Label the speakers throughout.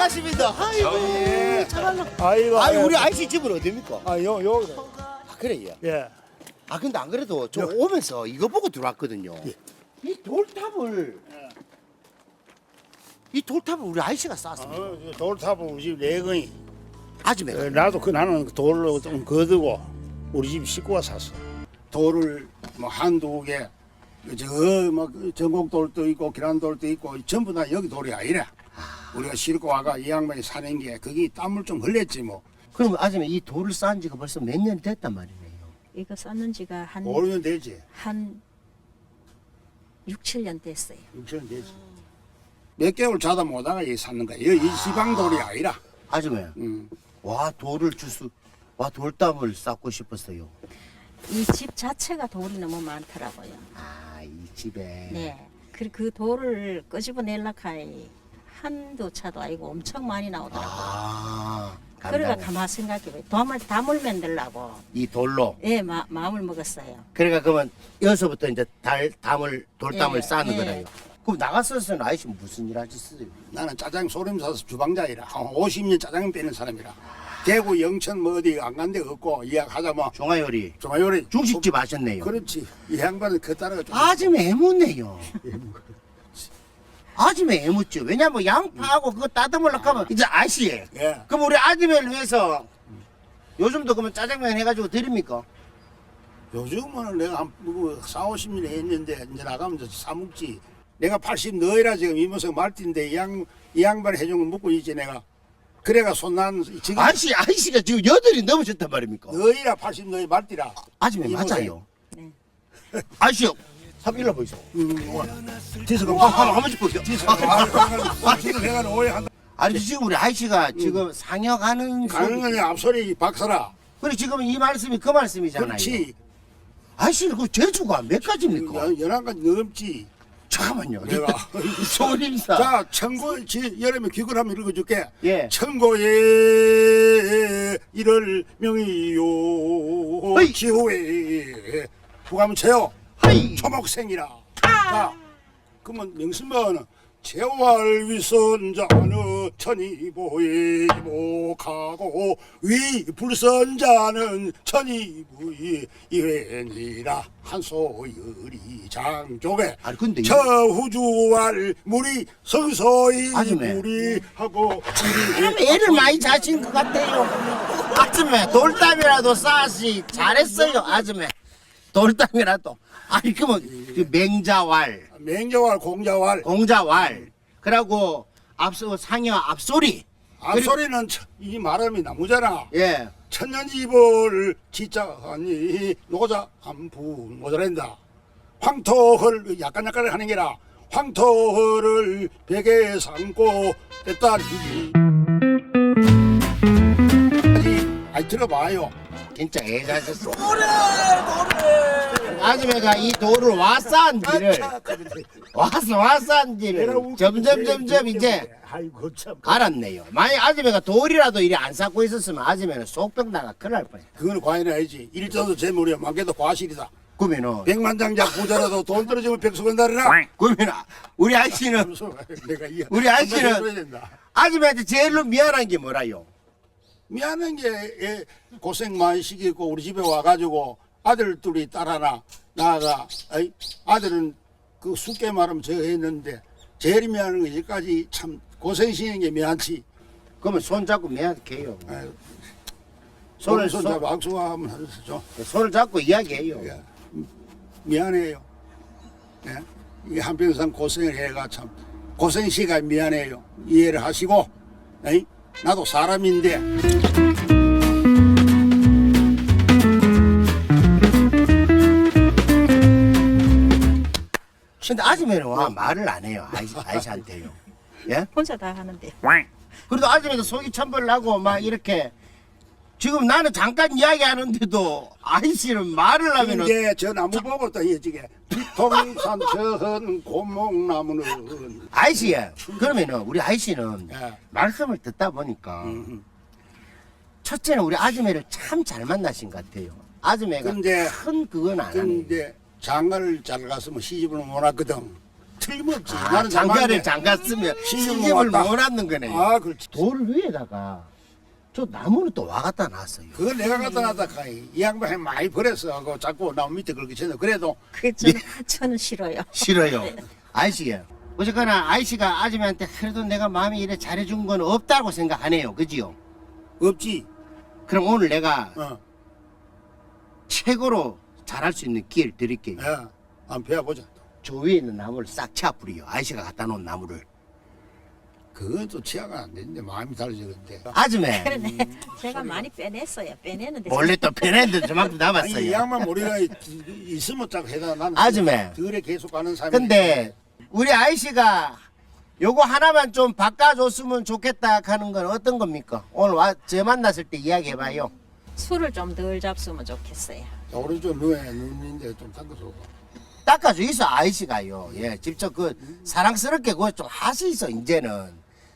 Speaker 1: 반갑습니다. 아이고, 참말로.
Speaker 2: 아이고.
Speaker 1: 아유, 우리 아이씨 집은 어디입니까?
Speaker 2: 요.
Speaker 1: 아, 그래요.
Speaker 2: 예.
Speaker 1: 아, 근데 안 그래도 저 오면서 이거 보고 들어왔거든요. 이 돌탑을, 우리 아이씨가 쌌습니다.
Speaker 2: 돌탑은 우리 집 내건이.
Speaker 1: 아줌매가.
Speaker 2: 나도 나는 돌로 좀 거두고 우리 집 식구가 샀어. 돌을 뭐 한두 개, 저뭐 전곡돌도 있고 기란돌도 있고 전부 다 여기 돌이 아니라 우리가 싣고 와가 이 양반이 사는 게 거기 땀을 좀 흘렸지 뭐.
Speaker 1: 그럼 아줌마 이 돌을 쌓은 지가 벌써 몇 년 됐단 말이네요.
Speaker 3: 이거 썼는 지가 한
Speaker 2: 5년 되지.
Speaker 3: 6, 7년 됐어요.
Speaker 2: 6년 되지. 몇 개월 자다 못하가 이 샀는 거야. 이 지방 돌이 아니라.
Speaker 1: 아줌마, 와, 돌담을 쌓고 싶었어요.
Speaker 3: 이 집 자체가 돌이 너무 많더라고요.
Speaker 1: 아, 이 집에.
Speaker 3: 네. 그 돌을 끄집어내려고 하니 한두 차도 아니고 엄청 많이 나오더라고요.
Speaker 1: 아,
Speaker 3: 그래가
Speaker 1: 간단해.
Speaker 3: 가만 생각해봐요. 담을 만들라고.
Speaker 1: 이 돌로.
Speaker 3: 예, 마음을 먹었어요.
Speaker 1: 그러니까 그러면 여기서부터 이제 돌담을
Speaker 3: 예,
Speaker 1: 쌓는
Speaker 3: 예.
Speaker 1: 거라요. 그럼 나갔었으면 아이씨 무슨 일 하셨어요?
Speaker 2: 나는 짜장 소림 사서 주방장이라 한 50년 짜장 빼는 사람이라. 대구 영천 뭐 어디 안 간 데 없고 이야기하자 뭐
Speaker 1: 종아요리.
Speaker 2: 종아요리
Speaker 1: 중식집 하셨네요.
Speaker 2: 그렇지. 이 양반은 그 따라가 좀
Speaker 1: 아줌마 애묻네요. 아줌마 애묻죠. 왜냐면 양파하고 그거 따듬으려고 하면 이제 아씨.
Speaker 2: 예.
Speaker 1: 그럼 우리 아줌마를 위해서 요즘도 그러면 짜장면 해가지고 드립니까?
Speaker 2: 요즘은 내가 한 4, 50년 했는데 이제 나가면 이제 사먹지. 내가 80 너희라 지금 이모석 말띠인데 이 양반 해준 거 먹고 있지 내가. 그래가 손난 지금
Speaker 1: 아이씨가 지금 8이 넘으셨단 말입니까?
Speaker 2: 너희라 80 너희 말띠라.
Speaker 1: 아줌마
Speaker 2: 이모석.
Speaker 1: 맞아요.
Speaker 3: 네.
Speaker 1: 아이씨요. 한번 일러 보이소.
Speaker 2: 뒤에서
Speaker 1: 한 번씩 보세요.
Speaker 2: 뒤에서 내가 오해한다.
Speaker 1: 아니 지금 우리 아이씨가 지금 상여가는
Speaker 2: 가는 거냐 앞소리 박사라.
Speaker 1: 그래 지금 이 말씀이 그 말씀이잖아요.
Speaker 2: 그렇지.
Speaker 1: 아이씨는 그 재주가 몇 가지입니까?
Speaker 2: 11가지 넘지.
Speaker 1: 잠깐만요.
Speaker 2: 내가
Speaker 1: 소림사.
Speaker 2: 자, 천고 여름에 귀걸 한번 읽어줄게.
Speaker 1: 예.
Speaker 2: 천고에 이를 명이요
Speaker 1: 어이.
Speaker 2: 지호에 부가면 채요
Speaker 1: 하이.
Speaker 2: 초목생이라. 자, 그러면 명심만은 재활 위선자는 천이보에 이복하고 위불선자는 천이보에 이회니라 한소열이 장족에
Speaker 1: 아니 근데
Speaker 2: 처후주할 물이 서서히
Speaker 1: 아줌마.
Speaker 2: 무리하고
Speaker 1: 참 애를 많이 자신 것 같아요. 아줌마 돌담이라도 쌓았지 잘했어요. 아줌마 돌담이라도. 아니 그러면 그 맹자왈,
Speaker 2: 맹자왈 공자왈
Speaker 1: 공자왈, 그리고 앞서 상여 앞소리.
Speaker 2: 앞소리는 이 말음이 나무잖아.
Speaker 1: 예.
Speaker 2: 천년이벌 지자하니 노자 한푼 모자란다. 황토를 약간 하는 게라 황토를 베개 삼고 됐다니. 아니 들어봐요.
Speaker 1: 진짜 애 자셨어. 아줌마가 이 돌을 와싼지를 와싼지를 점점 이제
Speaker 2: 아이고 참.
Speaker 1: 알았네요. 만약 아줌마가 돌이라도 이리 안 쌓고 있었으면 아줌마는 속병 나가 큰일 날 뻔했어.
Speaker 2: 그거는 과연 아니지. 일자도 재물이야. 많게도 과실이다.
Speaker 1: 그러면은
Speaker 2: 백만장자 부자라도 돈 떨어지면 백수건달이라.
Speaker 1: 그러면 우리 아저씨는
Speaker 2: 내가
Speaker 1: 우리 아저씨는 아줌마한테 제일로 미안한 게 뭐라요?
Speaker 2: 미안한 게 고생 많이 시키고 우리 집에 와가지고 아들 둘이 딸 하나 나가 아들은 그 숙게 말하면 저 했는데 제일 미안한 거 여기까지 참 고생 시키는 게 미안치.
Speaker 1: 그러면 손 잡고 미안해요.
Speaker 2: 아유,
Speaker 1: 손을
Speaker 2: 손 잡고 악수하면 하죠.
Speaker 1: 손을 잡고 이야기해요.
Speaker 2: 예. 미안해요. 예? 이 한평생 고생을 해가 참 고생 시가 미안해요. 이해를 하시고 에이? 나도 사람인데.
Speaker 1: 근데 아줌마는 와 말을 안 해요. 아이씨한테요. 예?
Speaker 3: 혼자 다 하는데.
Speaker 1: 그래도 아줌마도 속이 천벌나고 막 이렇게 지금 나는 잠깐 이야기하는데도 아이씨는 말을 하면은
Speaker 2: 이제 저 나무 보고 또 이지게 뒤통산 저은 고목나무는
Speaker 1: 아이씨 그러면은 우리 아이씨는
Speaker 2: 예.
Speaker 1: 말씀을 듣다 보니까 첫째는 우리 아줌마를 참 잘 만나신 것 같아요. 아줌마가
Speaker 2: 근데-
Speaker 1: 큰 그건 안 하네요.
Speaker 2: 근데 장가를 잘 갔으면 시집을 못 왔거든. 틀림없지.
Speaker 1: 장가를 장갔으면 시집을
Speaker 2: 왔다.
Speaker 1: 못 낳는 거네.
Speaker 2: 아, 그렇지.
Speaker 1: 돌 위에다가 저 나무를 또 와 갖다 놨어요.
Speaker 2: 그걸 내가 갖다 놨다 카이. 이 양반이 많이 버렸어. 그 자꾸 나무 밑에 그렇게 쳐서 그래도
Speaker 3: 그 저는 싫어요.
Speaker 1: 싫어요. 아이씨가 어쨌거나 아이씨가 아줌마한테 그래도 내가 마음이 이래 잘해준 건 없다고 생각하네요. 그지요?
Speaker 2: 없지.
Speaker 1: 그럼 오늘 내가
Speaker 2: 어.
Speaker 1: 최고로 잘할 수 있는 기회를 드릴게요.
Speaker 2: 야, 한번 배워보자.
Speaker 1: 저 위에 있는 나무를 싹 채워 뿌리요. 아이씨가 갖다 놓은 나무를.
Speaker 2: 그건 또 취하가 안 되는데 마음이 다르지 근데.
Speaker 1: 아줌마
Speaker 3: 그러네. 제가 많이 빼냈어요. 빼내는데
Speaker 1: 원래 또 빼냈는데 저만큼
Speaker 2: 아니 이
Speaker 1: 남았어요.
Speaker 2: 양반 머리가 있으면 딱 해다 나는
Speaker 1: 아줌마.
Speaker 2: 들에 계속 가는 사람이.
Speaker 1: 근데 우리 아이씨가 요거 하나만 좀 바꿔줬으면 좋겠다 하는 건 어떤 겁니까? 오늘 저 만났을 때 이야기해봐요.
Speaker 3: 술을 좀 덜 잡수면 좋겠어요.
Speaker 2: 오른쪽 눈인데 좀 닦아줘.
Speaker 1: 닦아줘 있어 아이씨가요. 예, 직접 그 사랑스럽게 그거 좀 하시소 이제는.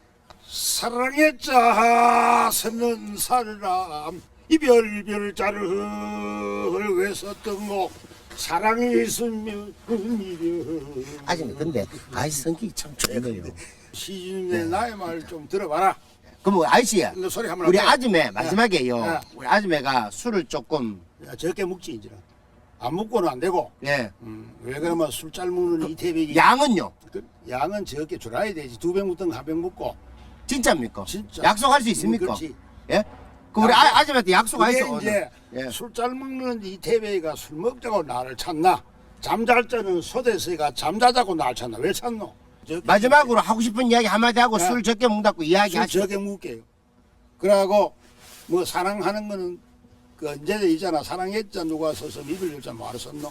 Speaker 2: 사랑했자 서는 사람 이별별 자를 왜 썼던 거 사랑이 있으면 이별.
Speaker 1: 아줌마 근데 아이씨 성격이 참 좋은 거예요.
Speaker 2: 시중에 나의 말 좀 들어봐라.
Speaker 1: 그럼 아이씨야
Speaker 2: 너 소리 한번
Speaker 1: 우리
Speaker 2: 할게.
Speaker 1: 아줌마 마지막에요.
Speaker 2: 야.
Speaker 1: 우리 아줌마가 술을 조금
Speaker 2: 야, 적게 묵지 이제. 안 묵고는 안 되고.
Speaker 1: 예
Speaker 2: 왜 그러면 술 잘 먹는 이태백이
Speaker 1: 양은요
Speaker 2: 그 양은 적게 줄어야 되지. 2병 묵든 1병 묵고.
Speaker 1: 진짜입니까?
Speaker 2: 진짜.
Speaker 1: 약속할 수 있습니까?
Speaker 2: 그렇지.
Speaker 1: 예? 그럼 우리
Speaker 2: 약속.
Speaker 1: 아줌마한테 약속하시오.
Speaker 2: 그게 이제
Speaker 1: 예.
Speaker 2: 술 잘 먹는 이태백이가 술 먹자고 나를 찾나? 잠잘 때는 소대서가 잠자자고 날 찾나? 왜 찾노? 적게
Speaker 1: 마지막으로 하고 싶은 이야기 한마디 하고
Speaker 2: 야.
Speaker 1: 술 적게 먹다고
Speaker 2: 술
Speaker 1: 이야기하시오.
Speaker 2: 적게 묵게요. 그러고 뭐 사랑하는 거는 그 언제 있잖아. 사랑했자 누가 서서 입을 열자 말을 썼노?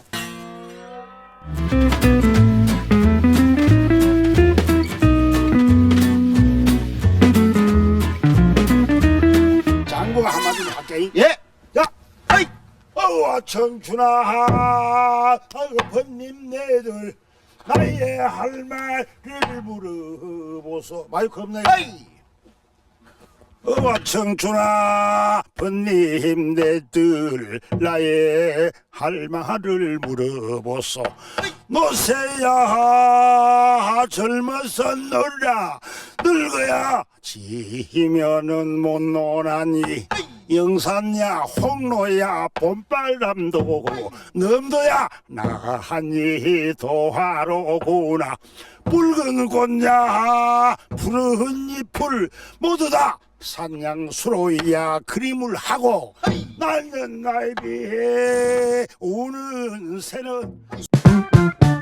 Speaker 2: 장구가 한마디 할게.
Speaker 1: 예.
Speaker 2: 야,
Speaker 1: 아이.
Speaker 2: 어와 청춘아, 번님 내들 나의 할 말을 물어보소. 마이크 없네.
Speaker 1: 아이.
Speaker 2: 어와 청춘아, 번님 내들 나의 할 말을 물어보소. 노세야 젊어서 놀라, 늙어야 지면은 못 노나니. 영산야 홍로야 봄바람도 넘도야 나한이 도하로구나. 붉은 꽃야 푸른 잎을 모두 다 산양수로야 그림을 하고, 나는 나에 비해 우는 새는